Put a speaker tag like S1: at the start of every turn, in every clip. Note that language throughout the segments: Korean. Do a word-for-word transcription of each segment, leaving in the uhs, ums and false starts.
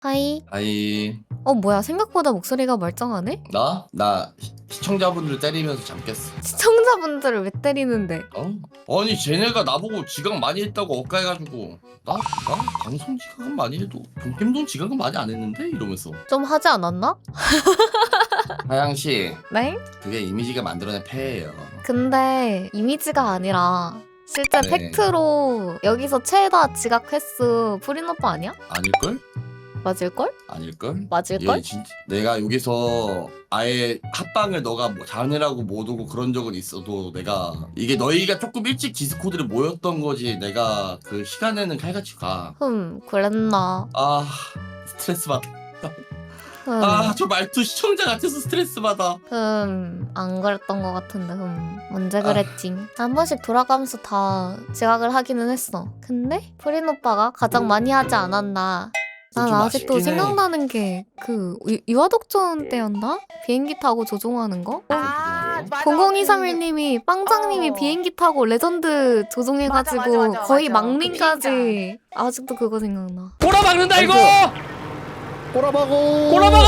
S1: 하이.
S2: 아이.
S1: 어 뭐야 생각보다 목소리가 멀쩡하네?
S2: 나? 나 시, 시청자분들 때리면서 잠 깼어.
S1: 시청자분들을 왜 때리는데?
S2: 어? 아니 쟤네가 나보고 지각 많이 했다고 억까해가지고 나? 나? 방송 지각은 많이 해도 동캠돈 지각은 많이 안 했는데? 이러면서.
S1: 좀 하지 않았나?
S2: 하양씨
S1: 네?
S2: 그게 이미지가 만들어낸 폐예요.
S1: 근데 이미지가 아니라 실제
S2: 네.
S1: 팩트로 여기서 최다 지각 횟수 프린 오빠 아니야?
S2: 아닐걸?
S1: 맞을걸?
S2: 아닐걸?
S1: 맞을걸?
S2: 얘 진짜 내가 여기서 아예 합방을 너가 뭐 잘해라고 못 오고 그런 적은 있어도 내가 이게 너희가 조금 일찍 디스코드를 모였던 거지 내가 그 시간에는 칼같이 가.
S1: 흠 그랬나.
S2: 아 스트레스 받아.
S1: 흠.
S2: 아 저 말투 시청자 같아서 스트레스 받아.
S1: 흠안 그랬던 것 같은데 흠 언제 그랬지. 한 번씩 돌아가면서 다 지각을 하기는 했어. 근데 프린 오빠가 가장 많이 하지 않았나. 난
S2: 좀
S1: 아직도
S2: 아쉽긴 해.
S1: 생각나는 게 그 유아독전 때였나? 비행기 타고 조종하는 거?
S3: 아, 맞아.
S1: 공공이삼일 님이 빵장님이
S3: 어.
S1: 비행기 타고 레전드 조종해가지고
S3: 맞아, 맞아, 맞아,
S1: 거의
S3: 맞아.
S1: 망민까지 아직도 그거 생각나.
S4: 꼬라박는다 이거!
S2: 꼬라박어.
S4: 꼬라박아!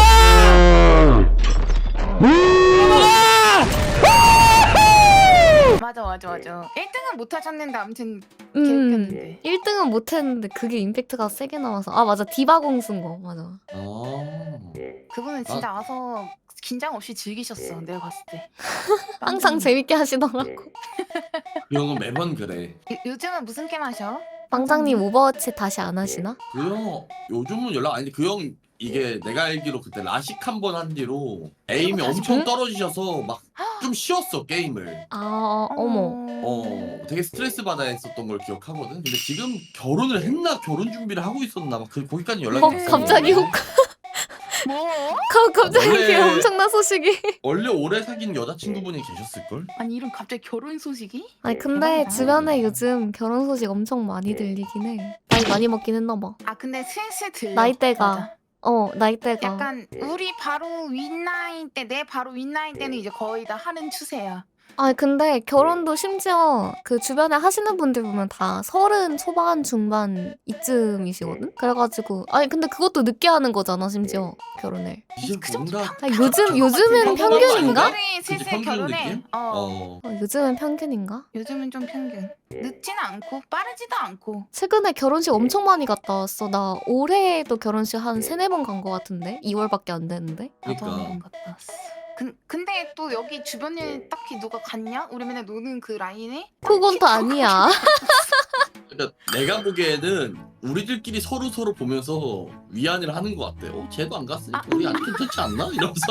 S3: 맞아 맞아 맞아. 일 등은 못 하셨는데 아무튼
S1: 음,
S3: 개웃겼는데.
S1: 일 등은 못했는데 그게 임팩트가 세게 나와서 아 맞아 디바공 쓴 거 맞아.
S2: 아.
S3: 그분은 진짜 와서 긴장 없이 즐기셨어. 내가 봤을 때.
S1: 항상 재밌게 하시더라고.
S2: 그 형은 매번 그래.
S3: 요, 요즘은 무슨 게임 하셔?
S1: 빵장님 오버워치 다시 안 하시나?
S2: 그 형 요즘은 연락 아니 그 형 이게 내가 알기로 그때 라식 한 번 한 뒤로 에임이
S3: 다시
S2: 엄청
S1: 응?
S2: 떨어지셔서 막 좀 쉬었어 게임을.
S1: 아 어머.
S2: 어 되게 스트레스 받아 했었던 걸 기억하거든. 근데 지금 결혼을 했나 결혼 준비를 하고 있었나 막 그 거기까지 연락이
S1: 어,
S2: 됐어.
S1: 갑자기 혹
S3: 뭐?
S1: 가- 갑자기
S2: 원래-
S1: 이렇게 엄청난 소식이.
S2: 원래 오래 사귄 여자친구분이 계셨을걸?
S3: 아니 이런 갑자기 결혼 소식이?
S1: 아니 근데
S3: 대박이다.
S1: 주변에 요즘 결혼 소식 엄청 많이 들리긴 해. 나이 많이 먹긴 했나 봐.
S3: 아 근데 슬슬 들려.
S1: 나이대가.
S3: 맞아.
S1: 어 나이대가.
S3: 약간 우리 바로 윗나이 때, 내 바로 윗나이 때는 이제 거의 다 하는 추세야.
S1: 아니 근데 결혼도 심지어 그 주변에 하시는 분들 보면 다 서른 초반 중반 이쯤이시거든? 그래가지고 아니 근데 그것도 늦게 하는 거잖아 심지어 결혼을.
S2: 이제
S3: 그 정도
S2: 뭔가
S1: 아니, 요즘 요즘은
S2: 평균
S1: 평균인가?
S2: 아닌가?
S3: 우리
S2: 이제
S3: 슬슬
S2: 평균
S3: 결혼해.
S2: 느낌?
S3: 어.
S2: 어.
S1: 어, 요즘은 평균인가?
S3: 요즘은 좀 평균. 늦지는 않고 빠르지도 않고.
S1: 최근에 결혼식 엄청 많이 갔다 왔어. 나 올해도 결혼식 한 세네 번 간 거 같은데? 이월밖에 안 됐는데?
S3: 나도
S2: 그러니까.
S3: 한번 갔다 왔어. 근, 근데 또 여기 주변에 딱히 누가 갔냐? 우리 맨날 노는 그 라인에?
S1: 그건 또 아니야.
S2: 그러니까 내가 보기에는 우리들끼리 서로 서로 보면서 위안을 하는 것 같아. 어, 쟤도 안 갔으니까 우리 안 괜찮지 않나? 이러면서.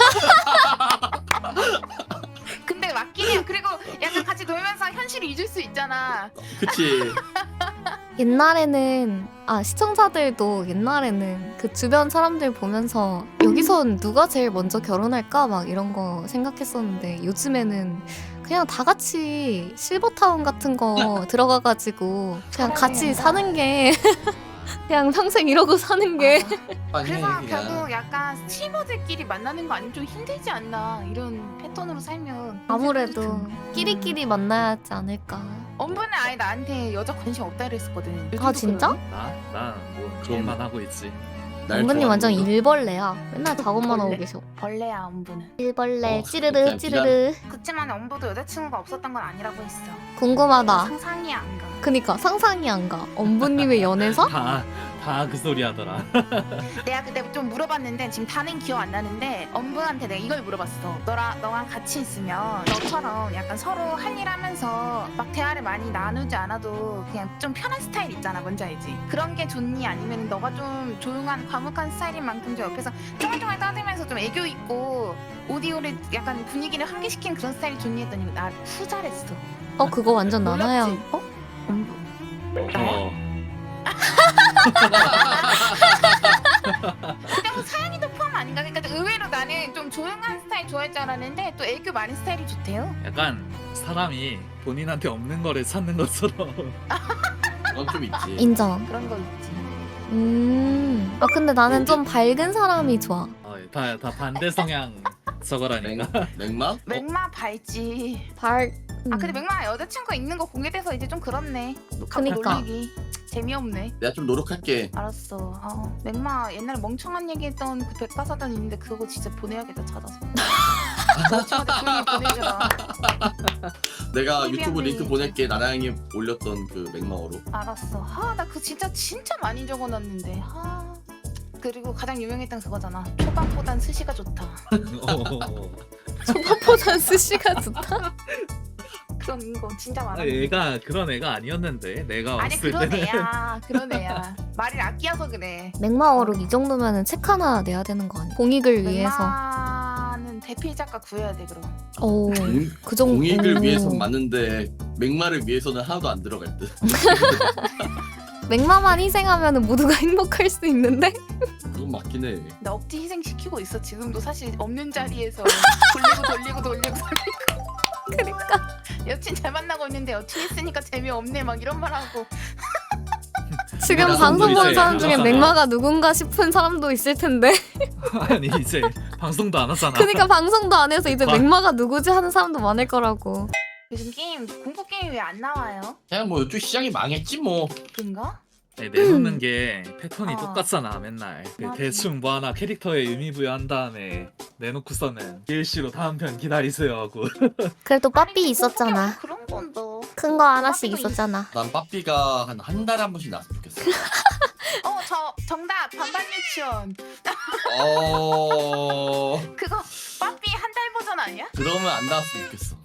S3: 근데 맞긴 해요. 그리고 약간 같이 놀면서 현실을 잊을 수 있잖아.
S2: 그치.
S1: 옛날에는 아 시청자들도 옛날에는 그 주변 사람들 보면서 여기선 누가 제일 먼저 결혼할까 막 이런 거 생각했었는데 요즘에는 그냥 다 같이 실버타운 같은 거 들어가가지고 그냥 같이 사는 게 그냥 평생 이러고 사는 게
S2: 아니,
S3: 그래서
S2: 그냥.
S3: 결국 약간 스트리머들끼리 만나는 거 아니면 좀 힘들지 않나. 이런 패턴으로 살면.
S1: 아무래도 끼리끼리 만나야 하지 않을까.
S3: 엄분은 아예 나한테 여자 관심 없다 이랬었거든.
S1: 아 진짜?
S4: 나? 나뭐 일만 하고 있지.
S2: 날
S1: 엄부님 완전
S2: 좋아하는 거.
S1: 일벌레야. 맨날 작업만 하고
S3: 벌레?
S1: 계셔.
S3: 벌레야 엄분은.
S1: 일벌레
S2: 어,
S1: 찌르르
S2: 그냥
S1: 찌르르.
S3: 그치만 엄부도 여자친구가 없었던 건 아니라고 했어.
S1: 궁금하다.
S3: 상상이 안 가.
S1: 그니까 상상이 안 가. 엄부님의 연애사?
S4: 다 다 그 소리 하더라.
S3: 내가 그때 좀 물어봤는데 지금 다는 기억 안 나는데 엄분한테 내가 이걸 물어봤어. 너랑 너랑 같이 있으면 너처럼 약간 서로 할 일 하면서 막 대화를 많이 나누지 않아도 그냥 좀 편한 스타일 있잖아. 뭔지 알지? 그런 게 좋니? 아니면 너가 좀 조용한 과묵한 스타일인 만큼 좀 옆에서 쫑알쫑알 떠들면서 좀 애교 있고 오디오를 약간 분위기를 환기시키는 그런 스타일이 좋니 했더니 나 후잘했어.
S1: 어 그거 완전
S3: 몰랐지?
S1: 나나야. 어?
S3: 엄부.
S4: 어.
S3: 그냥 사연이도 포함 아닌가? 그러니까 의외로 나는 좀 조용한 스타일 좋아할 줄 알았는데 또 애교 많은 스타일이 좋대요.
S4: 약간 사람이 본인한테 없는 거를 찾는 것처럼.
S2: 그건 좀 있지.
S1: 인정.
S3: 그런 거 있지.
S1: 음. 아 근데 나는 좀 밝은 사람이 좋아.
S4: 어, 다, 다 반대 성향 저거라니까.
S2: 맥, 맥막?
S3: 맥마 밝지.
S1: 밝.
S3: 아 근데 맥마 여자친구 있는 거 공개돼서 이제 좀 그렇네. 갖고
S1: 그니까.
S3: 놀리기. 재미없네.
S2: 내가 좀 노력할게.
S3: 알았어. 아, 맥마 옛날에 멍청한 얘기했던 그 백과사전 있는데 그거 진짜 보내야겠다 찾아서. 멍청한데 조용히 보내줘라.
S2: 내가
S3: 미안해.
S2: 유튜브 링크 보낼게. 나나양이 올렸던 그 맥마어로.
S3: 알았어. 아, 나 그 진짜 진짜 많이 적어놨는데. 아. 그리고 가장 유명했던 그거잖아. 초밥보단 스시가 좋다.
S1: 초밥보단 스시가 좋다.
S3: 그런 거 진짜 많아.
S4: 아, 얘가 그런 애가 아니었는데 내가
S3: 아니
S4: 왔을
S3: 그런
S4: 때는
S3: 애야. 그런 애야. 말을 아끼어서 그래.
S1: 맥마어록 이 정도면은 책 하나 내야 되는 거 아니야? 공익을 위해서.
S3: 맥마는 대필 작가 구해야 돼 그럼.
S1: 오,
S2: 공,
S1: 그 정도.
S2: 공익을
S1: 오.
S2: 위해선 맞는데 맥마를 위해서는 하나도 안 들어갈 듯.
S1: 맥마만 희생하면은 모두가 행복할 수 있는데.
S2: 그건 맞긴 해.
S3: 나 억지 희생시키고 있어. 지금도 사실 없는 자리에서 돌리고 돌리고 돌리고 돌리고.
S1: 그러니까.
S3: 여친 잘 만나고 있는데 여친 있으니까 재미없네 막 이런 말하고.
S1: 지금
S2: 내가
S1: 방송 보는
S2: 이제
S1: 사람 중에
S4: 나가잖아.
S1: 맥마가 누군가 싶은 사람도 있을 텐데.
S4: 아니 이제 방송도 안 하잖아.
S1: 그러니까 방송도 안 해서 이제
S4: 와.
S1: 맥마가 누구지 하는 사람도 많을 거라고.
S3: 요즘 게임 공포 게임 왜 안 나와요?
S2: 그냥 뭐 이쪽 시장이 망했지 뭐.
S3: 그런가?
S4: 네, 내놓는 게 패턴이
S3: 어.
S4: 똑같잖아 맨날. 그
S3: 맞아.
S4: 대충 뭐 하나 캐릭터에 의미 부여한 다음에 내놓고서는 디엘씨로 다음 편 기다리세요 하고.
S1: 그래도
S3: 아니,
S1: 빠삐
S3: 공포
S1: 있었잖아.
S3: 게임 그런 건도.
S1: 큰 거 하나씩
S3: 빠삐도
S1: 있었잖아.
S2: 난 빠삐가 한 한 달에 한 번씩 나왔으면 좋겠어.
S3: 어, 저 정답 반반 유치원.
S2: 어
S3: 그거 빠삐 한 달 버전 아니야?
S2: 그러면 안 나왔으면 좋겠어.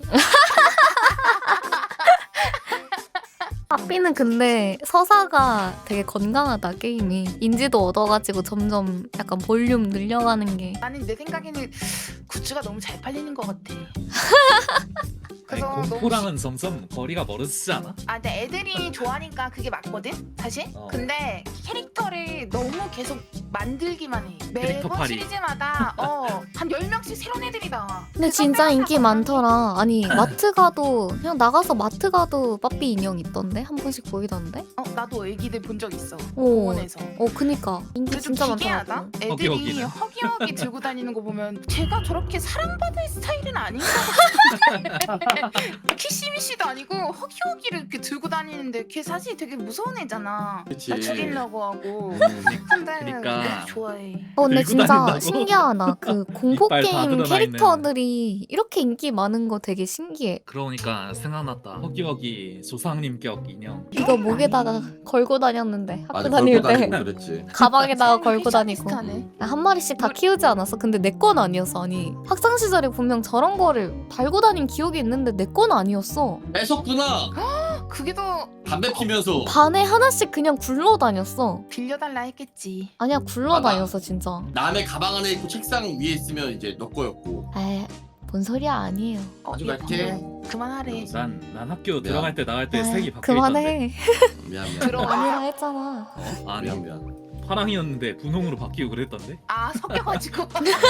S1: 빠삐는 근데 서사가 되게 건강하다 게임이. 인지도 얻어가지고 점점 약간 볼륨 늘려가는 게.
S3: 나는 내 생각에는 굿즈가 너무 잘 팔리는 것 같아.
S4: 아니,
S3: 그래서 너무
S4: 공포랑은 점점 거리가 멀어지지 않아?
S3: 아, 근데 애들이 좋아하니까 그게 맞거든, 사실.
S4: 어.
S3: 근데 캐릭터를 너무 계속 만들기만 해.
S4: 캐릭터
S3: 매번
S4: 팔이.
S3: 시리즈마다 어, 한 열 명씩 새로운 애들이 나와.
S1: 근데
S3: 그
S1: 진짜
S3: 선배가
S1: 인기
S3: 다
S1: 많더라. 아니 마트 가도 그냥 나가서 마트 가도 빠삐 인형 있던데 한 번씩 보이던데.
S3: 어, 나도 애기들 본 적 있어.
S1: 오,
S3: 공원에서.
S1: 어 그니까 인기
S3: 근데 좀
S1: 진짜
S3: 기괴하다.
S1: 많더라고.
S3: 애들이
S4: 허기허기는.
S3: 허기허기 들고 다니는 거 보면 제가 저렇게 사랑받을 스타일은 아닌가 같은데 키시미시도 아니고 허기허기를 이렇게 들고 다니는데 걔 사실 되게 무서운 애잖아.
S2: 그치.
S3: 나 죽이려고 하고.
S2: 음.
S3: 근데
S4: 그러니까.
S3: 너무 좋아해.
S1: 어 근데
S4: 들고
S1: 진짜
S4: 다닌다고?
S1: 신기하다. 그 공포
S4: 이빨 다
S1: 게임
S4: 드러나
S1: 캐릭터들이 이렇게 인기 많은 거 되게 신기해.
S4: 그러니까 생각났다. 허기허기 조상님격 인형.
S1: 이거 목에다가 걸고 다녔는데 학교
S2: 맞아,
S1: 다닐
S2: 걸고
S1: 때
S2: 다니고 그랬지.
S1: 가방에다가 걸고 다니고.
S3: 비슷하네.
S1: 한 마리씩 다 키우지 않았어? 근데 내 건 아니었어. 아니 학창 시절에 분명 저런 거를 달고 다닌 기억이 있는데 내 건 아니었어.
S2: 뺏었구나.
S3: 그게 더
S2: 담배 피면서.
S1: 반에 하나씩 그냥 굴러 다녔어.
S3: 빌려달라 했겠지.
S1: 아니야 굴러
S2: 맞아.
S1: 다녔어 진짜.
S2: 남의 가방 안에 있고 책상 위에 있으면 이제 너 거였고.
S1: 에이 뭔 소리야 아니에요.
S3: 어,
S2: 가져갈게.
S3: 얘 그만하래.
S4: 난, 난 학교 들어갈 때 나갈 때
S1: 에이,
S4: 색이 바뀌어 있던데.
S1: 그만해.
S2: 미안 미안.
S3: 들어.
S1: 아니라 했잖아.
S2: 어?
S4: 아니.
S2: 미안 미안.
S4: 파랑이었는데 분홍으로 바뀌고 그랬던데.
S3: 아, 섞여가지고.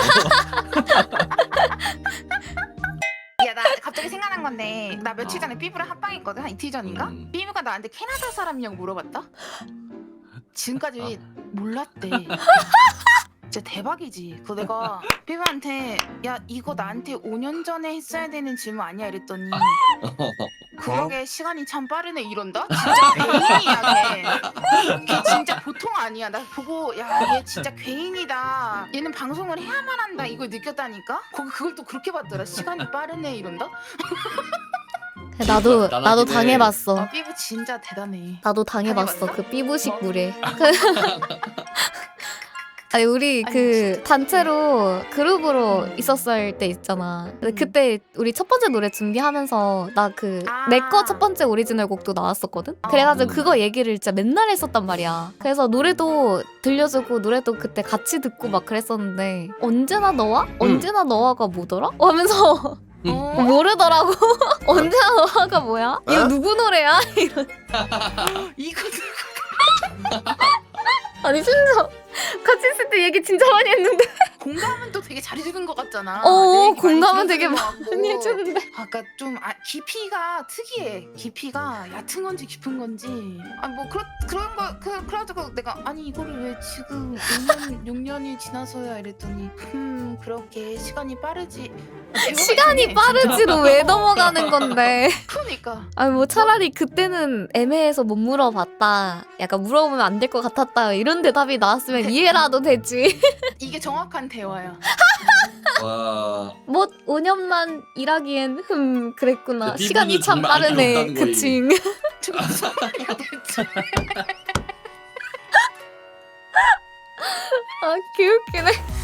S3: 야, 나 갑자기 생각난 건데 나 며칠 전에 삐부랑 합방했거든. 한 이틀 전인가?
S2: 음.
S3: 삐부가 나한테 캐나다 사람이냐고 물어봤다. 지금까지
S2: 아.
S3: 몰랐대. 진짜 대박이지. 그거 내가 삐부한테 야 이거 나한테 오 년 전에 했어야 되는 질문 아니야 이랬더니 그러게 시간이 참 빠르네 이런다? 진짜 괴인이야 걔. 걔 진짜 보통 아니야. 나 보고 야 얘 진짜 괴인이다. 얘는 방송을 해야만 한다 이걸 느꼈다니까? 거기 그걸 또 그렇게 봤더라. 시간이 빠르네 이런다?
S1: 나도
S2: 나나긴
S1: 나도
S2: 해.
S1: 당해봤어.
S3: 아 삐부 진짜 대단해.
S1: 나도 당해봤어.
S3: 당해봤어?
S1: 그 삐부식
S3: 어?
S1: 물에. 그 아니 우리
S3: 아니,
S1: 그
S3: 진짜.
S1: 단체로 그룹으로 있었을 때 있잖아. 근데
S3: 음.
S1: 그때 우리 첫 번째 노래 준비하면서 나 그
S3: 아.
S1: 내 거 첫 번째 오리지널 곡도 나왔었거든. 그래가지고
S2: 음.
S1: 그거 얘기를 진짜 맨날 했었단 말이야. 그래서 노래도 들려주고 노래도 그때 같이 듣고 막 그랬었는데 언제나 너와? 언제나 너와가 뭐더라? 어, 하면서
S2: 음.
S3: 어?
S1: 모르더라고. 언제나 너와가 뭐야? 이거
S2: 어?
S1: 누구 노래야?
S3: 이거
S1: 아니 심지어 같이 있을 때 얘기 진짜 많이 했는데
S3: 공감은 또 되게 잘해주는 것 같잖아.
S1: 어,
S3: 내 얘기 많이
S1: 공감은 되게
S3: 들어주는 것 같고.
S1: 많이 해주는데.
S3: 아까 좀 아, 깊이가 특이해. 깊이가 얕은 건지 깊은 건지. 아니 뭐 그런 그런 거 그, 그래가지고 내가 아니 이거를 왜 지금 오 년 육 년이 지나서야 이랬더니 음 그렇게 시간이 빠르지.
S1: 시간이 빠르지로 왜 넘어가는 건데.
S3: 그러니까
S1: 아니 뭐 차라리 그때는 애매해서 못 물어봤다. 약간 물어보면 안 될 것 같았다. 이런 대답이 나왔으면 이해라도 되지.
S3: 이게 정확한 대화야.
S2: 와.
S1: 뭐 오 년만 일하기엔 흠 그랬구나.
S2: 근데
S1: 시간이
S2: 피부는
S1: 참
S2: 정말 안
S1: 빠르네.
S2: 귀엽다는 거임.
S1: 그치.
S3: 좀 무슨 말이야 대체.
S1: 아 개웃기네.